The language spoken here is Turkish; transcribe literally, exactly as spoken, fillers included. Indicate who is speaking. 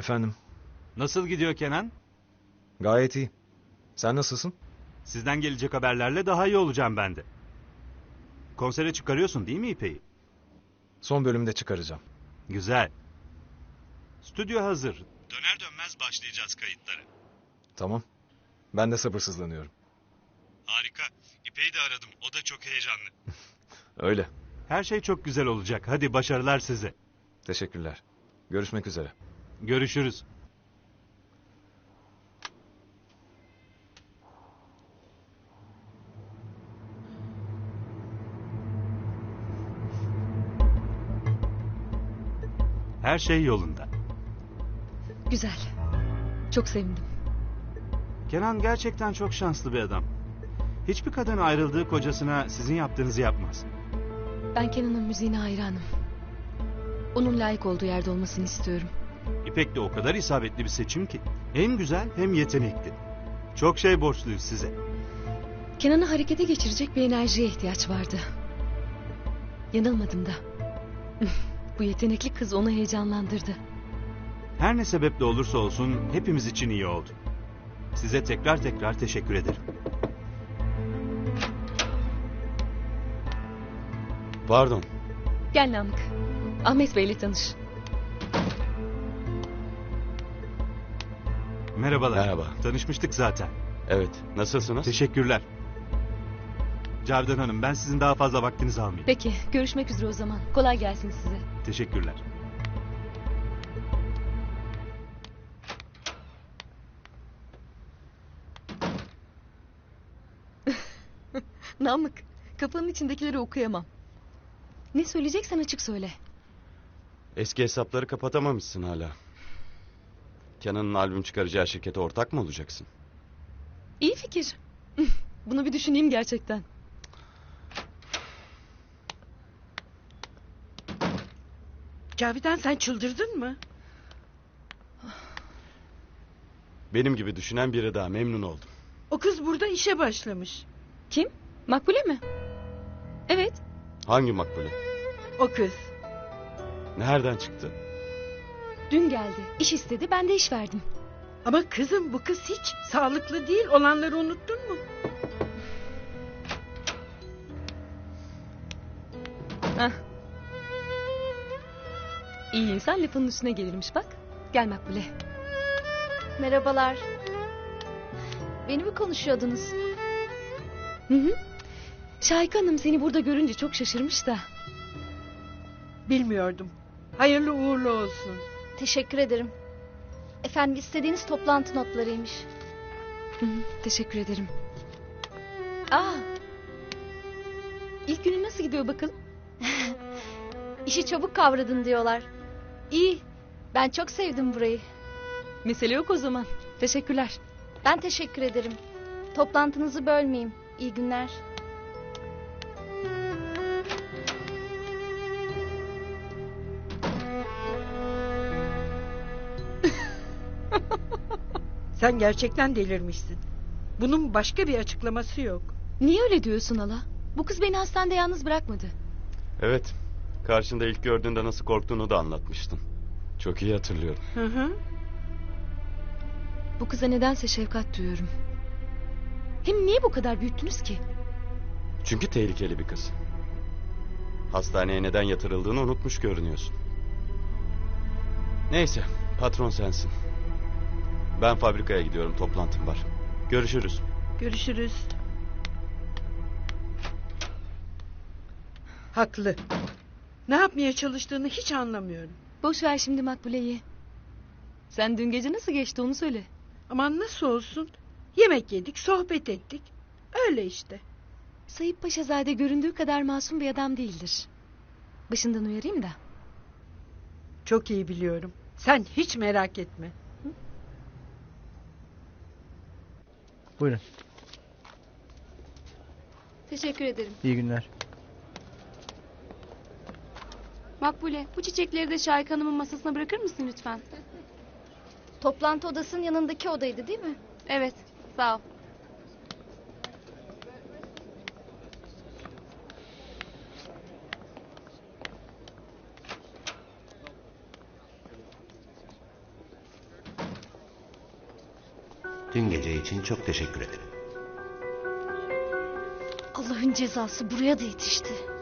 Speaker 1: Efendim,
Speaker 2: Nasıl gidiyor Kenan?
Speaker 1: gayet iyi. Sen nasılsın?
Speaker 2: Sizden gelecek haberlerle daha iyi olacağım ben de. Konsere çıkarıyorsun değil mi İpek'i?
Speaker 1: Son bölümde çıkaracağım.
Speaker 2: Güzel. Stüdyo hazır. Döner dönmez başlayacağız kayıtlara.
Speaker 1: Tamam. Ben de sabırsızlanıyorum.
Speaker 2: Harika. İpek'i de aradım. O da çok heyecanlı.
Speaker 1: Öyle.
Speaker 2: Her şey çok güzel olacak. Hadi başarılar size.
Speaker 1: Teşekkürler. Görüşmek üzere.
Speaker 2: Görüşürüz. Her şey yolunda.
Speaker 3: Güzel. Çok sevindim.
Speaker 2: Kenan gerçekten çok şanslı bir adam. Hiçbir kadın ayrıldığı kocasına sizin yaptığınızı yapmaz.
Speaker 3: Ben Kenan'ın müziğine hayranım. Onun layık olduğu yerde olmasını istiyorum.
Speaker 2: İpek de o kadar isabetli bir seçim ki. Hem güzel hem yetenekli. Çok şey borçluyuz size.
Speaker 3: Kenan'ı harekete geçirecek bir enerjiye ihtiyaç vardı. Yanılmadım da. Bu yetenekli kız onu heyecanlandırdı.
Speaker 2: Her ne sebeple olursa olsun hepimiz için iyi oldu. Size tekrar tekrar teşekkür ederim.
Speaker 4: Pardon.
Speaker 3: Gel Namık. Ahmet Bey'le tanış.
Speaker 2: Merhabalar.
Speaker 4: Merhaba.
Speaker 2: Tanışmıştık zaten.
Speaker 4: Evet. Nasılsınız?
Speaker 2: Teşekkürler. Cavidan Hanım, ben sizin daha fazla vaktinizi almayayım.
Speaker 3: Peki, görüşmek üzere o zaman. Kolay gelsin size.
Speaker 2: Teşekkürler.
Speaker 3: Namık, kafanın içindekileri okuyamam. Ne söyleyeceksen açık söyle.
Speaker 4: Eski hesapları kapatamamışsın hala. Kenan'ın albüm çıkaracağı şirkete ortak mı olacaksın?
Speaker 3: İyi fikir. Bunu bir düşüneyim gerçekten.
Speaker 5: Cavidan, sen çıldırdın mı?
Speaker 4: Benim gibi düşünen biri daha, memnun oldum.
Speaker 5: O kız burada işe başlamış.
Speaker 3: Kim? Makbule mi? Evet.
Speaker 4: Hangi makbule?
Speaker 5: O kız.
Speaker 4: Nereden çıktı?
Speaker 3: Dün geldi. İş istedi. Ben de iş verdim.
Speaker 5: Ama kızım, bu kız hiç sağlıklı değil. Olanları unuttun mu?
Speaker 3: Hah. İyi insan lafının üstüne gelirmiş bak. Gel Makbule.
Speaker 6: Merhabalar. Beni mi konuşuyordunuz?
Speaker 3: Hı hı. Şahika Hanım seni burada görünce çok şaşırmış da.
Speaker 5: Bilmiyordum. Hayırlı uğurlu olsun.
Speaker 6: Teşekkür ederim. Efendim, istediğiniz toplantı notlarıymış.
Speaker 3: Hı hı, teşekkür ederim. Aa. İlk günün nasıl gidiyor bakalım?
Speaker 6: İşi çabuk kavradın diyorlar. İyi. Ben çok sevdim burayı.
Speaker 3: Mesele yok o zaman. Teşekkürler.
Speaker 6: Ben teşekkür ederim. Toplantınızı bölmeyeyim. İyi günler.
Speaker 5: Sen gerçekten delirmişsin. Bunun başka bir açıklaması yok.
Speaker 3: Niye öyle diyorsun hala? Bu kız beni hastanede yalnız bırakmadı.
Speaker 4: Evet. Karşında ilk gördüğünde nasıl korktuğunu da anlatmıştın. Çok iyi hatırlıyorum.
Speaker 5: Hı hı.
Speaker 3: Bu kıza nedense şefkat duyuyorum. Hem niye bu kadar büyüttünüz ki?
Speaker 4: Çünkü tehlikeli bir kız. Hastaneye neden yatırıldığını unutmuş görünüyorsun. Neyse, patron sensin. Ben fabrikaya gidiyorum, toplantım var. Görüşürüz.
Speaker 5: Görüşürüz. Haklı. Ne yapmaya çalıştığını hiç anlamıyorum.
Speaker 3: Boş ver şimdi Makbule'yi. Sen dün gece nasıl geçti onu söyle.
Speaker 5: Aman nasıl olsun? Yemek yedik, sohbet ettik. Öyle işte.
Speaker 3: Sayıp Paşazade göründüğü kadar masum bir adam değildir. Başından uyarayım da.
Speaker 5: Çok iyi biliyorum. Sen hiç merak etme.
Speaker 7: Buyurun.
Speaker 8: Teşekkür ederim.
Speaker 7: İyi günler.
Speaker 8: Makbule, bu çiçekleri de Şahika Hanım'ın masasına bırakır mısın lütfen?
Speaker 6: Toplantı odasının yanındaki odaydı değil mi?
Speaker 8: Evet, sağ ol.
Speaker 9: Dün gece için çok teşekkür ederim.
Speaker 6: Allah'ın cezası buraya da yetişti.